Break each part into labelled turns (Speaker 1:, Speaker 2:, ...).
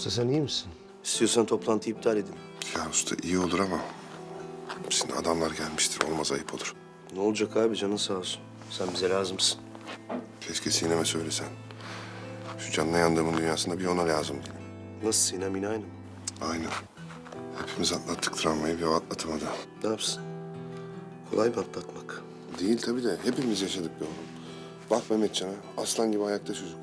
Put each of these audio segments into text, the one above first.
Speaker 1: Usta sen iyi misin? İstiyorsan toplantıyı iptal edin.
Speaker 2: Ya usta iyi olur ama şimdi adamlar gelmiştir. Olmaz, ayıp olur.
Speaker 1: Ne olacak abi, canın sağ olsun. Sen bize lazımsın.
Speaker 2: Keşke Sinem'e söylesen. Şu canına yandığımın dünyasında bir ona lazım değil.
Speaker 1: Nasıl, Sinem yine aynı mı?
Speaker 2: Aynen. Hepimiz atlattık travmayı, bir o atlatamadı.
Speaker 1: Ne yapsın? Kolay mı atlatmak?
Speaker 2: Değil tabii de hepimiz yaşadık be oğlum. Bak Mehmetcan'a, aslan gibi ayakta çocuk.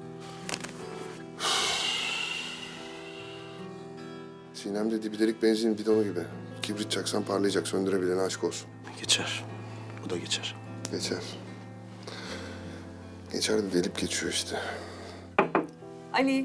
Speaker 2: Sinem de dibidelik benzin bidonu gibi. Kibrit çaksan parlayacak, söndürebilene aşk olsun.
Speaker 1: Geçer. Bu da geçer.
Speaker 2: Geçer. Geçer de delip geçiyor işte.
Speaker 3: Ali.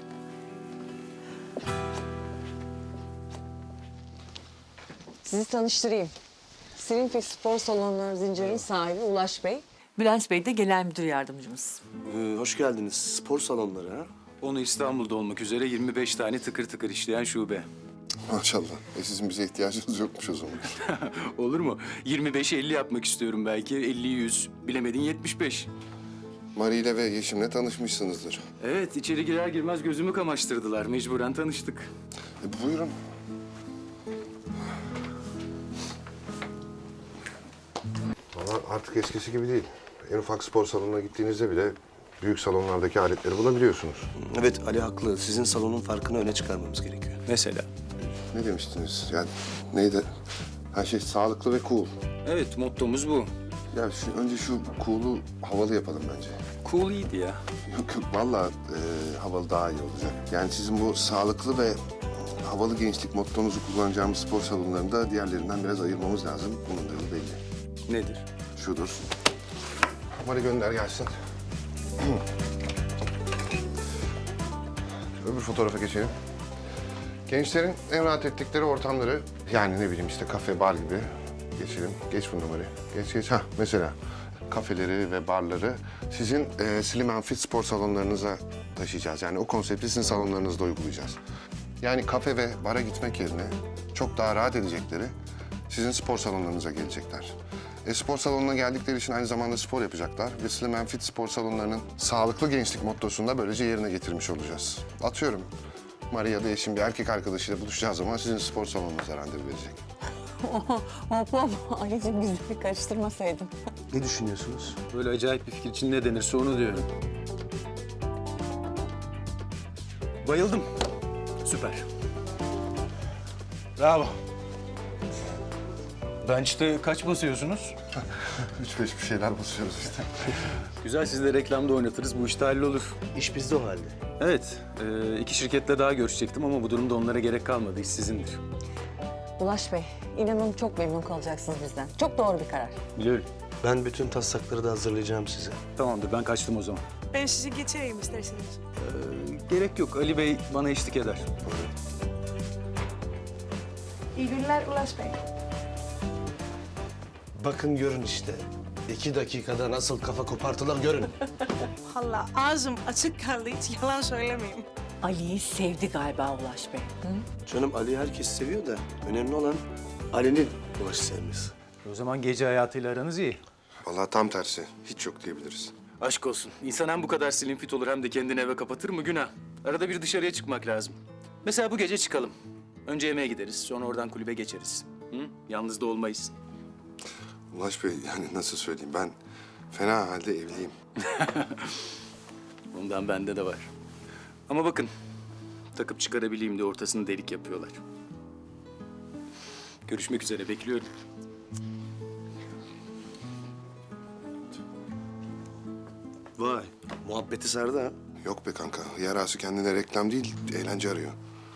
Speaker 3: Sizi tanıştırayım. Slinfix Spor Salonları zincirinin sahibi Ulaş Bey.
Speaker 4: Bülent Bey de genel müdür yardımcımız.
Speaker 1: Hoş geldiniz. Spor salonları ha?
Speaker 5: Onu İstanbul'da olmak üzere 25 tane tıkır tıkır işleyen şube.
Speaker 2: Maşallah. Sizin bize ihtiyacınız yokmuş o zaman.
Speaker 5: Olur mu? 25'i 50 yapmak istiyorum belki. 50'yi 100. Bilemedin 75.
Speaker 2: Marie ile ve Yeşim'le tanışmışsınızdır.
Speaker 5: Evet, içeri girer girmez gözümü kamaştırdılar. Mecburen tanıştık.
Speaker 2: Buyurun. Valla artık eskisi gibi değil. En ufak spor salonuna gittiğinizde bile büyük salonlardaki aletleri bulabiliyorsunuz.
Speaker 1: Evet, Ali haklı. Sizin salonun farkını öne çıkarmamız gerekiyor.
Speaker 5: Mesela.
Speaker 2: Ne demiştiniz? Yani neydi? Her şey sağlıklı ve cool.
Speaker 5: Evet, mottomuz bu.
Speaker 2: Ya önce şu cool'u havalı yapalım bence.
Speaker 5: Cool iyiydi ya.
Speaker 2: Yok yok, vallahi havalı daha iyi olacak. Yani sizin bu sağlıklı ve havalı gençlik mottonuzu kullanacağımız spor salonlarında diğerlerinden biraz ayırmamız lazım. Bunun da yolu belli.
Speaker 5: Nedir?
Speaker 2: Şudur. Mari gönder gelsin. Öbür fotoğrafa geçelim. Gençlerin en rahat ettikleri ortamları, yani ne bileyim işte kafe, bar gibi geçelim. Geç bunu Mari. Geç. Ha mesela kafeleri ve barları sizin Slim and Fit spor salonlarınıza taşıyacağız. Yani o konsepti sizin salonlarınızda uygulayacağız. Yani kafe ve bara gitmek yerine çok daha rahat edecekleri sizin spor salonlarınıza gelecekler. Spor salonuna geldikleri için aynı zamanda spor yapacaklar ve Slim and Fit spor salonlarının sağlıklı gençlik mottosunu da böylece yerine getirmiş olacağız. Atıyorum, Maria da eşim bir erkek arkadaşıyla buluşacağı zaman sizin spor salonunuza randevu verecek.
Speaker 3: Hoplam. Ali'ciğim bizleri karıştırmasaydın.
Speaker 1: Ne düşünüyorsunuz?
Speaker 5: Böyle acayip bir fikir için ne denirse onu diyorum. Bayıldım. Süper. Bravo. Bench'te kaç basıyorsunuz?
Speaker 2: 3-5 bir şeyler basıyoruz işte.
Speaker 5: Güzel, siz de reklamda oynatırız. Bu işte hallolur.
Speaker 1: İş bizde o halde.
Speaker 5: Evet, iki şirketle daha görüşecektim ama bu durumda onlara gerek kalmadı. İş sizindir.
Speaker 3: Ulaş Bey, inanın çok memnun kalacaksınız bizden. Çok doğru bir karar.
Speaker 5: Biliyorum.
Speaker 1: Ben bütün taslakları da hazırlayacağım size.
Speaker 5: Tamamdır, ben kaçtım o zaman.
Speaker 6: Ben sizi geçireyim isterseniz.
Speaker 5: Gerek yok. Ali Bey bana eşlik eder.
Speaker 6: İyi günler Ulaş Bey.
Speaker 1: Bakın görün işte. 2 dakikada nasıl kafa kopartılar görün.
Speaker 6: Valla ağzım açık kaldı, hiç yalan söylemeyeyim.
Speaker 4: Ali'yi sevdi galiba Ulaş Bey.
Speaker 1: Canım, Ali herkes seviyor da önemli olan Ali'nin Ulaş'ı sevmesi.
Speaker 5: O zaman gece hayatıyla aranız iyi.
Speaker 2: Vallahi tam tersi. Hiç yok diyebiliriz.
Speaker 5: Aşk olsun. İnsan hem bu kadar slim fit olur hem de kendini eve kapatır mı? Günah. Arada bir dışarıya çıkmak lazım. Mesela bu gece çıkalım. Önce yemeğe gideriz, sonra oradan kulübe geçeriz. Hı? Yalnız da olmayız.
Speaker 2: Ulaş Bey, yani nasıl söyleyeyim, ben fena halde evliyim.
Speaker 5: Bundan bende de var. Ama bakın, takıp çıkarabileyim diye ortasını delik yapıyorlar. Görüşmek üzere, bekliyorum.
Speaker 1: Vay, muhabbeti sardı ha.
Speaker 2: Yok be kanka, yarası kendine reklam değil, eğlence arıyor.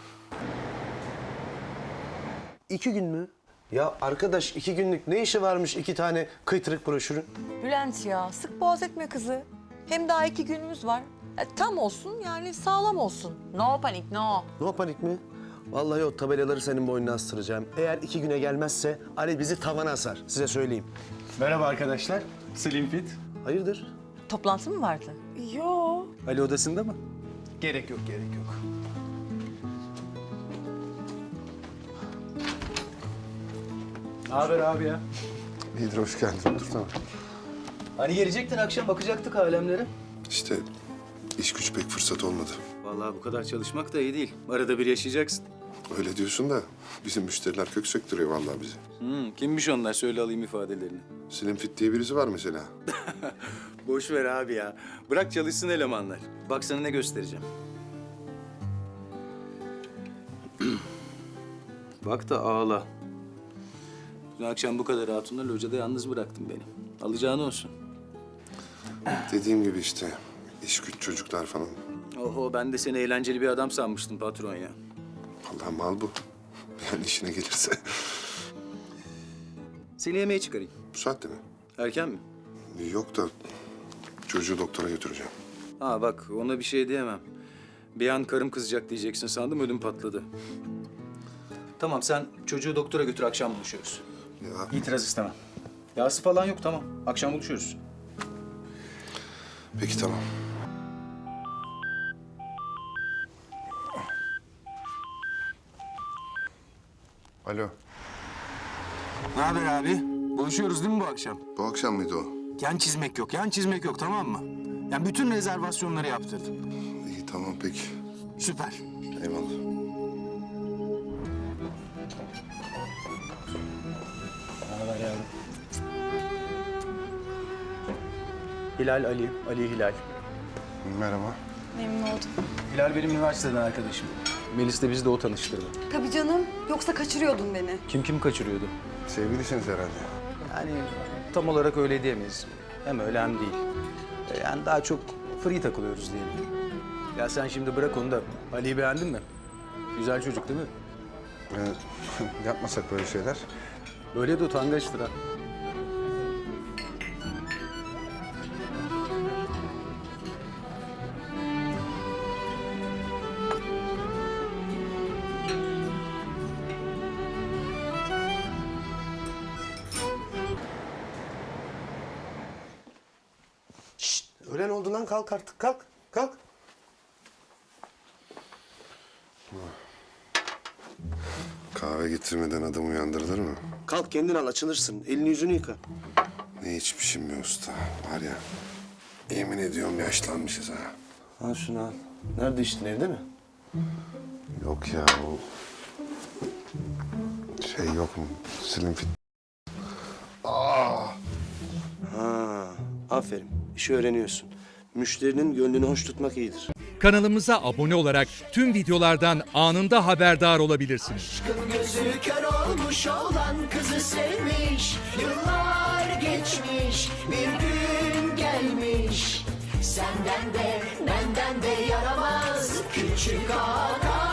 Speaker 1: 2 gün mü? Ya arkadaş, 2 günlük ne işi varmış 2 tane kıytırık broşürün?
Speaker 4: Bülent ya, sık boğaz etme kızı. Hem daha 2 günümüz var. Tam olsun yani, sağlam olsun. No panik, no.
Speaker 1: No panik mi? Vallahi o tabelaları senin boynuna astıracağım. Eğer 2 güne gelmezse Ali bizi tavana asar. Size söyleyeyim.
Speaker 5: Merhaba arkadaşlar, Slim Fit.
Speaker 1: Hayırdır?
Speaker 4: Toplantı mı vardı?
Speaker 6: Yo.
Speaker 5: Ali odasında mı? Gerek yok. Ne haber abi ya?
Speaker 2: İyidir, hoş geldin. Otursana.
Speaker 5: Hani gelecektin akşam bakacaktık alemlere.
Speaker 2: İşte iş güç pek fırsat olmadı.
Speaker 5: Vallahi bu kadar çalışmak da iyi değil. Arada bir yaşayacaksın.
Speaker 2: Öyle diyorsun da bizim müşteriler kök söktürüyor vallahi bizi.
Speaker 5: Kimmiş onlar? Söyle alayım ifadelerini.
Speaker 2: Slim Fit diye birisi var mesela.
Speaker 5: Boş ver abi ya. Bırak çalışsın elemanlar. Bak sana ne göstereceğim. Bak da ağla. Dün akşam bu kadar hatunla locada yalnız bıraktın beni. Alacağın olsun.
Speaker 2: Dediğim gibi işte iş güç çocuklar falan.
Speaker 5: Oho, ben de seni eğlenceli bir adam sanmıştım patron ya.
Speaker 2: Vallahi mal bu. Yani işine gelirse.
Speaker 5: Seni yemeğe çıkarayım.
Speaker 2: Bu saatte mi?
Speaker 5: Erken mi?
Speaker 2: Yok da çocuğu doktora götüreceğim.
Speaker 5: Ha bak, ona bir şey diyemem. Bir an karım kızacak diyeceksin sandım, ödüm patladı. Tamam, sen çocuğu doktora götür, akşam buluşuyoruz.
Speaker 2: Ya
Speaker 5: İtiraz istemem. Yağsı falan yok, tamam. Akşam buluşuyoruz.
Speaker 2: peki tamam. Alo.
Speaker 7: Ne haber abi? Buluşuyoruz değil mi bu akşam?
Speaker 2: Bu akşam mıydı o?
Speaker 7: Yan çizmek yok, yan çizmek yok, tamam mı? Yani bütün rezervasyonları yaptırdım.
Speaker 2: İyi tamam peki.
Speaker 7: Süper.
Speaker 2: Eyvallah.
Speaker 5: Hilal Ali, Ali Hilal.
Speaker 2: Merhaba.
Speaker 8: Memnun oldum.
Speaker 5: Hilal benim üniversiteden arkadaşım. Melis de bizi de o tanıştırdı.
Speaker 8: Tabii canım. Yoksa kaçırıyordun beni.
Speaker 5: Kim kaçırıyordu?
Speaker 2: Sevgilisiniz herhalde.
Speaker 5: Yani tam olarak öyle diyemeyiz. Hem öyle hem değil. Yani daha çok free takılıyoruz diyelim. Ya sen şimdi bırak onu da Ali'yi beğendin mi? Güzel çocuk değil mi?
Speaker 2: Yapmasak böyle şeyler.
Speaker 5: Böyle de utangaçtır ha.
Speaker 1: Öğlen oldu lan, kalk artık, kalk. Kalk.
Speaker 2: Kahve getirmeden adam uyandırılır mı?
Speaker 1: Kalk, kendin al, açılırsın. Elini yüzünü yıka.
Speaker 2: Ne içmişim be usta. Var ya, yemin ediyorum yaşlanmışız ha.
Speaker 1: Al şunu al. Nerede içtin, evde mi?
Speaker 2: Yok ya o... Şey yok mu? Slim Fit.
Speaker 1: Ha, aferin. İşi öğreniyorsun. Müşterinin gönlünü hoş tutmak iyidir.
Speaker 9: Kanalımıza abone olarak tüm videolardan anında haberdar olabilirsiniz.
Speaker 10: Gözü kör olmuş olan kızı sevmiş. Yıllar geçmiş, bir gün gelmiş. Senden de benden de yaramaz küçük ağa.